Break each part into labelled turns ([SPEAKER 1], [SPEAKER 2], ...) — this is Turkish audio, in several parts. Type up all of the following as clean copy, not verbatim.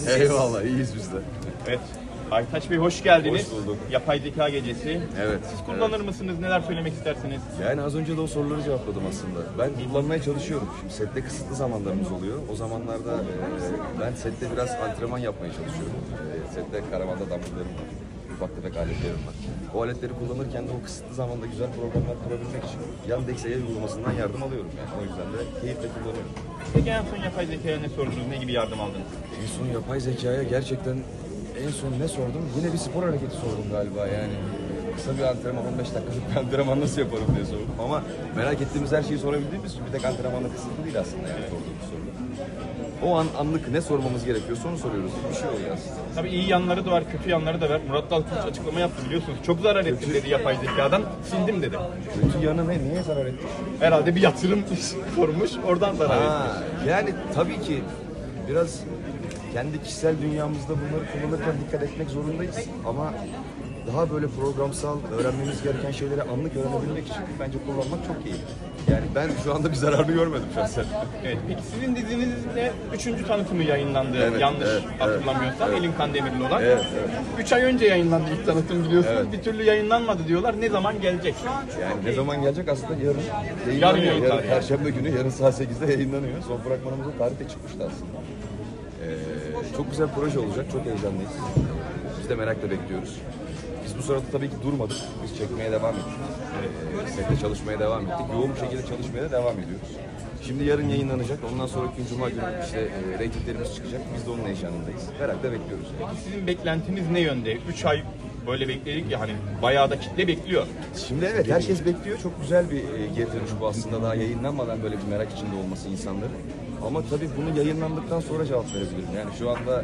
[SPEAKER 1] Nasılsınız?
[SPEAKER 2] Eyvallah, iyiyiz biz de.
[SPEAKER 1] Evet. Aytaç Bey hoş geldiniz.
[SPEAKER 2] Hoş bulduk.
[SPEAKER 1] Yapay zeka gecesi.
[SPEAKER 2] Evet.
[SPEAKER 1] Siz kullanır mısınız? Neler söylemek istersiniz?
[SPEAKER 2] Yani az önce de o soruları cevapladım aslında. Ben kullanmaya çalışıyorum. Şimdi sette kısıtlı zamanlarımız oluyor. O zamanlarda ben sette biraz antrenman yapmaya çalışıyorum. Sette karavanda dumbbell'larım var. Ufak tefek aletlerim var. O aletleri kullanırken de o kısıtlı zamanda güzel programlar kurabilmek için Yandex AI uygulamasından yardım alıyorum yani. O yüzden de keyifle kullanıyorum.
[SPEAKER 1] Peki en son yapay zekaya ne sordunuz? Ne gibi yardım aldınız?
[SPEAKER 2] En son yapay zekaya gerçekten en son ne sordum? Yine bir spor hareketi sordum galiba yani. Kısa bir antrenman, 15 dakikalık bir antrenman nasıl yaparım diye sordum. Ama merak ettiğimiz her şeyi sorabildiğimiz için bir tek antrenmanla kısıtlı değil aslında yani sorduğumuz soru. O an anlık ne sormamız gerekiyorsa onu soruyoruz. Bir şey oluyor aslında.
[SPEAKER 1] Tabii iyi yanları da var, kötü yanları da var. Murat Dalkılıç açıklama yaptı biliyorsunuz. Çok zarar ettim dedi yapay zekadan. Sildim dedi.
[SPEAKER 2] Kötü yanı ne? Niye zarar etti?
[SPEAKER 1] Herhalde bir yatırım sormuş, oradan zarar etti.
[SPEAKER 2] Ha, yani tabii ki biraz kendi kişisel dünyamızda bunları kullanırken dikkat etmek zorundayız. Ama daha böyle programsal, öğrenmemiz gereken şeyleri anlık öğrenebilmek için bence kullanmak çok iyi. Yani ben şu anda bir zararını görmedim şahsen.
[SPEAKER 1] Evet, peki sizin dizinizde 3. tanıtımı yayınlandı.
[SPEAKER 2] Evet,
[SPEAKER 1] Yanlış
[SPEAKER 2] evet,
[SPEAKER 1] hatırlamıyorsam.
[SPEAKER 2] evet.
[SPEAKER 1] Elin Kandemirli olan.
[SPEAKER 2] Evet, evet.
[SPEAKER 1] 3 ay önce yayınlandı ilk tanıtım biliyorsunuz.
[SPEAKER 2] Evet.
[SPEAKER 1] Bir türlü yayınlanmadı diyorlar. Ne zaman gelecek?
[SPEAKER 2] Yani ne zaman gelecek aslında yarın
[SPEAKER 1] Yarın
[SPEAKER 2] yayınlanıyor.
[SPEAKER 1] yayınlanıyor.
[SPEAKER 2] Perşembe günü yarın saat 8'de yayınlanıyor. Son fragmanımızın tarihi de çıkmıştı aslında. Çok güzel bir proje olacak. Çok heyecanlıyız. Biz de merakla bekliyoruz. Biz bu sırada tabii ki durmadık. Biz çekmeye devam ettik. Sette çalışmaya devam ettik. Yoğun bir şekilde çalışmaya da devam ediyoruz. Şimdi yarın yayınlanacak. Ondan sonraki gün Cuma günü işte reytinglerimiz çıkacak. Biz de onun heyecanındayız. Merakla bekliyoruz.
[SPEAKER 1] Peki sizin beklentiniz ne yönde? 3 ay böyle bekledik ya hani bayağı da kitle bekliyor.
[SPEAKER 2] Şimdi evet herkes bekliyor. Çok güzel bir geri dönüş bu aslında. Daha yayınlanmadan böyle bir merak içinde olması insanların. Ama tabii bunu yayınlandıktan sonra cevap verebilirim. Yani şu anda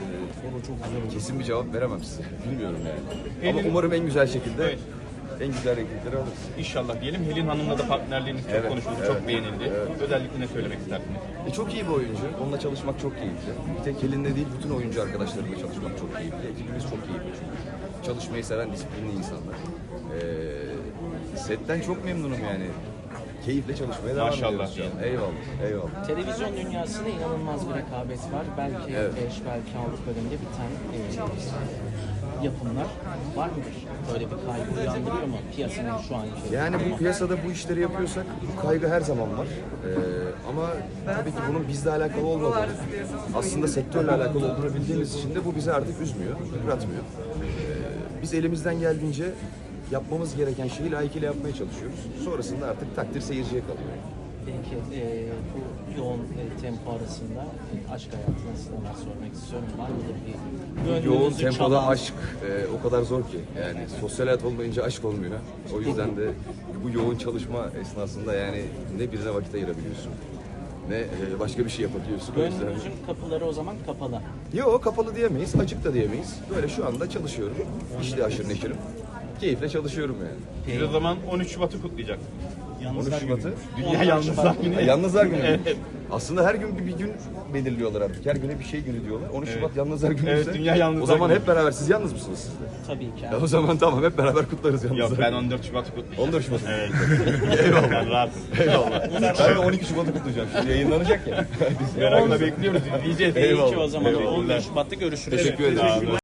[SPEAKER 2] kesin bir cevap veremem size. Bilmiyorum yani. Ama umarım en güzel şekilde
[SPEAKER 1] Evet.
[SPEAKER 2] en güzel reytingleri alırız.
[SPEAKER 1] İnşallah diyelim. Helin Hanım'la da partnerliğiniz çok
[SPEAKER 2] Evet,
[SPEAKER 1] konuşuldu,
[SPEAKER 2] evet,
[SPEAKER 1] çok beğenildi.
[SPEAKER 2] evet.
[SPEAKER 1] Özellikle ne söylemek istersiniz?
[SPEAKER 2] Çok iyi bir oyuncu. Onunla çalışmak çok keyifli. Bir tek Helin'le değil, bütün oyuncu arkadaşlarımla çalışmak çok keyifli. Ekibimiz çok keyifli çünkü. Çalışmayı seven, disiplinli insanlar. Setten çok memnunum yani. Keyifle çalışmaya devam
[SPEAKER 1] Maşallah
[SPEAKER 2] ediyoruz şu an. Eyvallah, eyvallah.
[SPEAKER 3] Televizyon dünyasında inanılmaz bir rekabet var. Belki
[SPEAKER 2] Evet.
[SPEAKER 3] 5, belki 6 bölümde biten yapımlar var mıdır? Böyle bir kaygı uyandırıyor mu piyasanın şu anki?
[SPEAKER 2] Yani bu piyasada bu işleri yapıyorsak bu kaygı her zaman var. Ama tabii ki bunun bizle alakalı olmadığını, aslında sektörle alakalı olduğunu bildiğimiz için de bu bizi artık üzmüyor, yıpratmıyor. Biz elimizden geldiğince yapmamız gereken şeyi layıkıyla yapmaya çalışıyoruz. Sonrasında artık takdir seyirciye kalıyor.
[SPEAKER 3] Peki bu yoğun tempo arasında aşk hayatına neler sormak istiyorum. Var mıdır bir
[SPEAKER 2] Yoğun
[SPEAKER 3] gönlünüzü
[SPEAKER 2] tempoda
[SPEAKER 3] çalan-
[SPEAKER 2] aşk o kadar zor ki. Yani sosyal hayat olmayınca aşk olmuyor. O yüzden de bu yoğun çalışma esnasında yani ne birine vakit ayırabiliyorsun ne başka bir şey yapabiliyorsun. O yüzden...
[SPEAKER 3] Gönlünüzün kapıları o zaman kapalı.
[SPEAKER 2] Yok kapalı diyemeyiz, açık da diyemeyiz. Böyle şu anda çalışıyorum. İşte aşırı neşirim. Keyifle çalışıyorum yani.
[SPEAKER 1] Biz o zaman 13 Şubat'ı kutlayacak.
[SPEAKER 2] 13 Şubat'ı.
[SPEAKER 1] Dünya Yalnızlar Günü.
[SPEAKER 2] Yalnızlar Günü.
[SPEAKER 1] Evet.
[SPEAKER 2] Aslında her gün bir gün belirliyorlar artık. Her güne bir şey günü diyorlar. 13
[SPEAKER 1] Evet.
[SPEAKER 2] Şubat Yalnızlar Günü
[SPEAKER 1] Evet,
[SPEAKER 2] ise
[SPEAKER 1] Dünya Yalnızlar
[SPEAKER 2] o zaman
[SPEAKER 1] Günü.
[SPEAKER 2] hep beraber. Siz yalnız mısınız siz de?
[SPEAKER 3] Tabii ki.
[SPEAKER 2] O zaman tamam hep beraber kutlarız Yalnızlar
[SPEAKER 1] Yok ben
[SPEAKER 2] Günü.
[SPEAKER 1] 14 Şubat'ı kutlayacağım.
[SPEAKER 2] 14 Şubat.
[SPEAKER 1] Evet.
[SPEAKER 2] Eyvallah.
[SPEAKER 1] Ben rahatım.
[SPEAKER 2] Eyvallah. Ben de 12 Şubat'ı kutlayacağım. Şimdi yayınlanacak ya. Biz
[SPEAKER 1] Merakla bekliyoruz, izleyeceğiz.
[SPEAKER 3] Peki
[SPEAKER 2] Eyvallah.
[SPEAKER 3] o zaman
[SPEAKER 2] Eyvallah.
[SPEAKER 3] 14 Şubat'ta görüşürüz.
[SPEAKER 2] Teşekkür ederim.